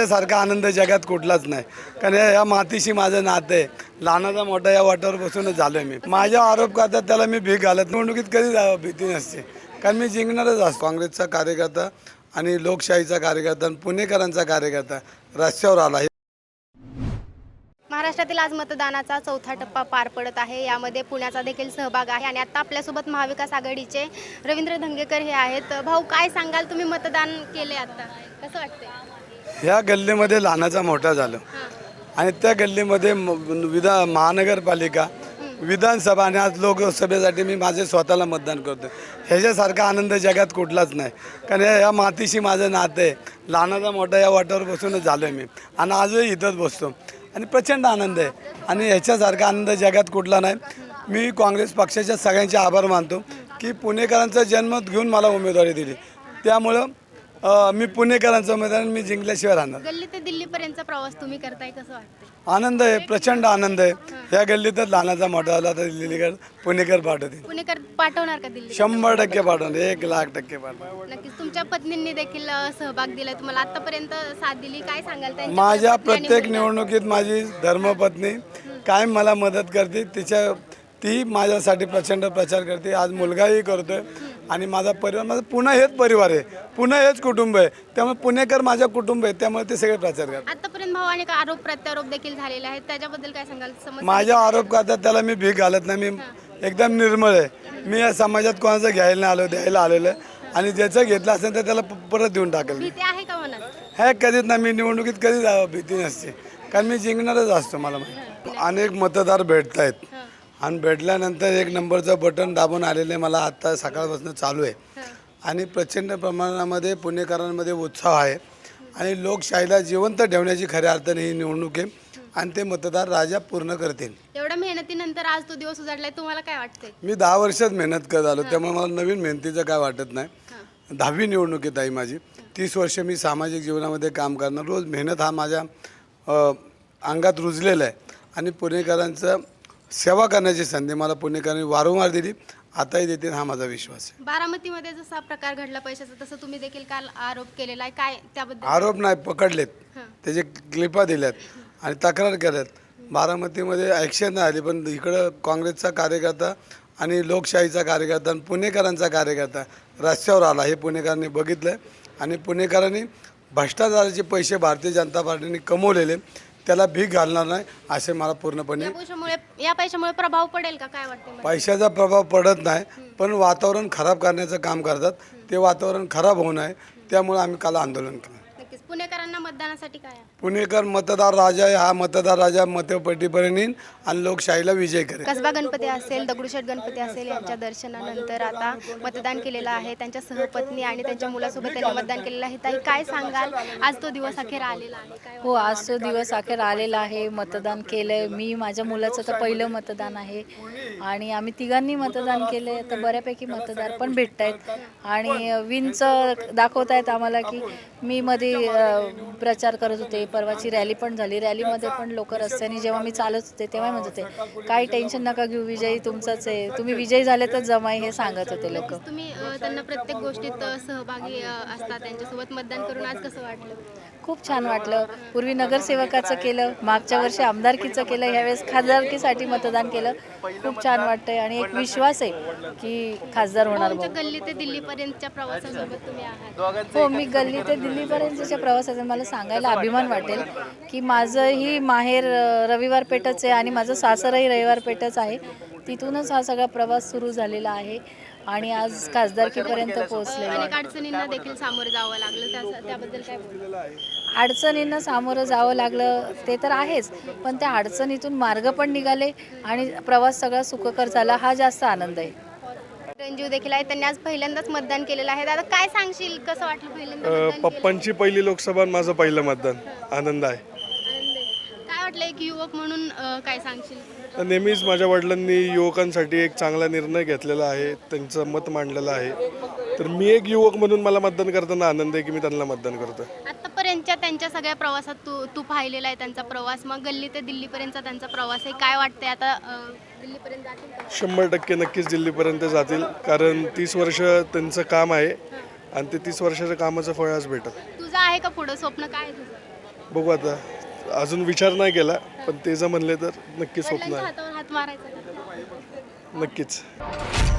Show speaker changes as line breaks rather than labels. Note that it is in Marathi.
ह्याच्यासारखा आनंद जगात कुठलाच नाही. कारण या मातीशी माझं नातं आहे. लहानाचा मोठा या वाटावर बसूनच झालो मी. माझ्या आरोप करतात त्याला मी भीक घालत निवडणुकीत कधी जावं भीती नसते. कारण मी जिंकणारच असतो. काँग्रेसचा कार्यकर्ता आणि लोकशाहीचा कार्यकर्ता आणि पुणेकरांचा कार्यकर्ता रस्त्यावर आला.
महाराष्ट्रातील आज मतदानाचा चौथा टप्पा पार पडत आहे. यामध्ये पुण्याचा देखील सहभाग आहे आणि आता आपल्यासोबत महाविकास आघाडीचे रवींद्र धंगेकर हे आहेत. भाऊ, काय सांगाल, तुम्ही मतदान केले, आता कसं वाटतंय?
ह्या गल्लीमध्ये लहानाचा मोठा झालं आणि त्या गल्लीमध्ये महानगरपालिका, विधानसभा आणि आज लोकसभेसाठी मी माझे स्वतःला मतदान करतो. ह्याच्यासारखा आनंद जगात कुठलाच नाही. कारण या मातीशी माझं नातं आहे. लहानाचा मोठा या वाटावर बसूनच झालो मी आणि आजही इथंच बसतो आणि प्रचंड आनंद आहे. आणि ह्याच्यासारखा आनंद जगात कुठला नाही. मी काँग्रेस पक्षाच्या सगळ्यांचे आभार मानतो की पुणेकरांचा जनमत घेऊन मला उमेदवारी दिली. त्यामुळं मी पुणेकरांचं उमेदवार, मी जिंकल्याशिवाय राहणार.
गल्ली ते दिल्लीपर्यंतचा प्रवास तुम्ही करताय, कसं वाटतंय?
आनंद आहे, प्रचंड आनंद आहे. ह्या गल्लीतच लहानाचा मोठा झाला तर दिल्लीकर पुणेकर पाठवतील.
पुणेकर पाठवणार का दिल्ली?
100% पाठवणार, 1,00,000% पाठवणार.
नक्कीच. तुमच्या पत्नींनी देखील सहभाग दिलाय, तुम्हाला आतापर्यंत साथ दिली, काय सांगाल त्यांच्या
माझ्या
पत्नी आणि
प्रत्येक
मुलगा?
निवडणुकीत माझी धर्मपत्नी कायम मला मदत करते. ती माझ्यासाठी प्रचंड प्रचार करते. आज मुलगाही करतोय आणि माझा परिवार, माझा पुणे हेच परिवार आहे, पुणे हेच कुटुंब आहे. त्यामुळे पुणेकर माझं कुटुंब आहे. त्यामुळे ते सगळे प्रचार करतात.
आतापर्यंत भाऊ अनेक आरोप प्रत्यारोप देखील झालेले आहेत, त्याच्याबद्दल काय सांगाल?
माझ्या आरोप करतात त्याला मी भीक घालत नाही. मी एकदम निर्मळ आहे. मी या समाजात कोणाचं घ्यायला नाही आलो, द्यायला आलेलं आहे. आणि ज्याचं घेतलं असेल तर त्याला परत देऊन टाकेल.
भीती आहे का मनात?
हे कधीच नाही. मी निवडणुकीत कधी जावं भीती नसते. कारण मी जिंकणारच असतो. मला माहिती अनेक मतदार भेटत आहेत आणि भेटल्यानंतर एक नंबरचं बटन दाबून आलेले मला आत्ता सकाळपासून चालू आहे. आणि प्रचंड प्रमाणामध्ये पुणेकरांमध्ये उत्साह आहे आणि लोकशाहीला जिवंत ठेवण्याची खऱ्या अर्थाने ही निवडणूक आहे आणि ते मतदार राजा पूर्ण करतील.
एवढ्या मेहनतीनंतर आज तो दिवस उजाडलाय, तुम्हाला काय वाटतंय?
मी 10 वर्षात मेहनत करत आलो, त्यामुळे मला नवीन मेहनतीचं काय वाटत नाही. 10वी निवडणुकीत आहे माझी. 30 वर्ष मी सामाजिक जीवनामध्ये काम करणार. रोज मेहनत हा माझ्या अंगात रुजलेला आहे आणि पुणेकरांचं सेवा करण्याची संधी मला पुणेकरांनी वारंवार दिली, आताही देतील हा माझा विश्वास आहे.
बारामतीमध्ये जसा प्रकार घडला पैशाचा, तसं तुम्ही देखील काल आरोप केलेला आहे, काय त्याबद्दल?
आरोप नाही, पकडलेत, त्याचे क्लिपा दिल्यात आणि तक्रार केल्यात. बारामतीमध्ये ॲक्शन नाही आली, पण इकडं काँग्रेसचा कार्यकर्ता आणि लोकशाहीचा कार्यकर्ता आणि पुणेकरांचा कार्यकर्ता रस्त्यावर आला. हे पुणेकरांनी बघितलं आणि पुणेकरांनी भ्रष्टाचाराचे पैसे भारतीय जनता पार्टीने कमवलेले त्याला भीक घालणार नाही असे मला पूर्णपणे.
या पैशामुळे प्रभाव पडेल का, काय वाटतं?
पैशाचा प्रभाव पडत नाही, पण वातावरण खराब करण्याचं काम करतात. ते वातावरण खराब होऊ नये त्यामुळे आम्ही काल आंदोलन केलं.
नक्कीच. पुणेकरांना मतदानासाठी काय?
पुणेकर मतदार राजा आहे. हा मतदार राजा मतपेटीपर्यंत येईल आणि लोकशाहीला विजय करेल.
कसबा गणपती असेल, दगडूशेठ गणपती असेल, यांच्या दर्शनानंतर आता मतदान केलेलं आहे. त्यांच्या सहपत्नी आणि त्यांच्या मुलासोबत त्यांनी मतदान केलेलं आहे. ताई, काय सांगाल, आज तो दिवस अखेर आलेला आहे, काय?
हो, आज तो दिवस अखेर आलेला आहे. मतदान केलंय मी. माझ्या मुलाचं तर पहिलं मतदान आहे आणि आम्ही तिघांनी मतदान केलंय. तर बऱ्यापैकी मतदार पण भेटत आहेत आणि विनचं दाखवत आहेत आम्हाला की मी मध्ये प्रचार करत होते. परवाची रॅली पण झाली. रॅलीमध्ये पण लोक रस्त्याने जेव्हा मी चालत होते तेव्हा म्हणत होते काही टेन्शन नका घेऊ, विजयी तुमचाच आहे, तुम्ही विजयी झाले तर जमाई, हे सांगत होते लोक.
तुम्ही त्यांना प्रत्येक गोष्टीत सहभागी असतात, त्यांच्यासोबत मतदान करून आज कसं वाटलं?
खूप छान वाटलं. पूर्वी नगरसेवकाचं केलं, मागच्या वर्षी आमदारकीचं केलं, यावेळेस खासदारकीसाठी मतदान केलं. खूप छान वाटतंय आणि एक विश्वास आहे की खासदार होणार.
गल्ली ते दिल्लीपर्यंतच्या प्रवासासोबत तुम्ही आहात?
हो, मी गल्ली ते दिल्लीपर्यंतच्या प्रवासाचा मला सांगायला अभिमान वाटेल की माझंही माहेर रविवार पेठच आहे आणि माझं सासरही रविवार पेठच आहे. तिथूनच हा सगळा प्रवास सुरू झालेला आहे आणि आज खासदारकीपर्यंत पोहोचले.
अनेक अडचणींना देखील सामोरं जावं लागलं, त्याबद्दल काय बोलू?
अडचणींना सामोरं जावं लागलं ते तर आहेच, पण त्या अडचणीतून मार्ग पण निघाले आणि प्रवास सगळा सुखकर झाला, हा जास्त आनंद आहे.
रंजीव देखील आहे, त्यांनी आज पहिल्यांदाच मतदान केलेलं आहे. दादा, काय सांगशील, कसं वाटलं पहिल्यांदा?
पप्पांची पहिली लोकसभा, माझं पहिलं मतदान. आनंद आहे.
काय वाटलं एक युवक म्हणून, काय सांगशील?
तर नेहमीच माझ्या वडिलांनी युवकांसाठी एक चांगला निर्णय घेतलेला आहे, त्यांचं मत मांडलेलं आहे. तर मी एक युवक म्हणून मला मतदान करताना आनंद आहे की मी त्यांना मतदान करतो.
आतापर्यंतच्या त्यांच्या सगळ्या प्रवासात तू पाहिलेला आहे त्यांचा प्रवास, मग गल्ली ते दिल्लीपर्यंतचा त्यांचा प्रवास आहे, काय वाटतंय आता दिल्लीपर्यंत जातील का?
100% नक्कीच दिल्लीपर्यंत जातील, कारण 30 वर्ष त्यांचं काम आहे आणि ते 30 वर्षाच्या कामाचं फळ आज भेटत.
तुझं आहे का पुढं स्वप्न, काय आहे तुझं?
बघू आता, अजून विचार नाही केला, पण ते जर म्हणले तर नक्की स्वप्न
वडिलांच्या
आहे.
हातावर हात मारायचा का?
नक्कीच.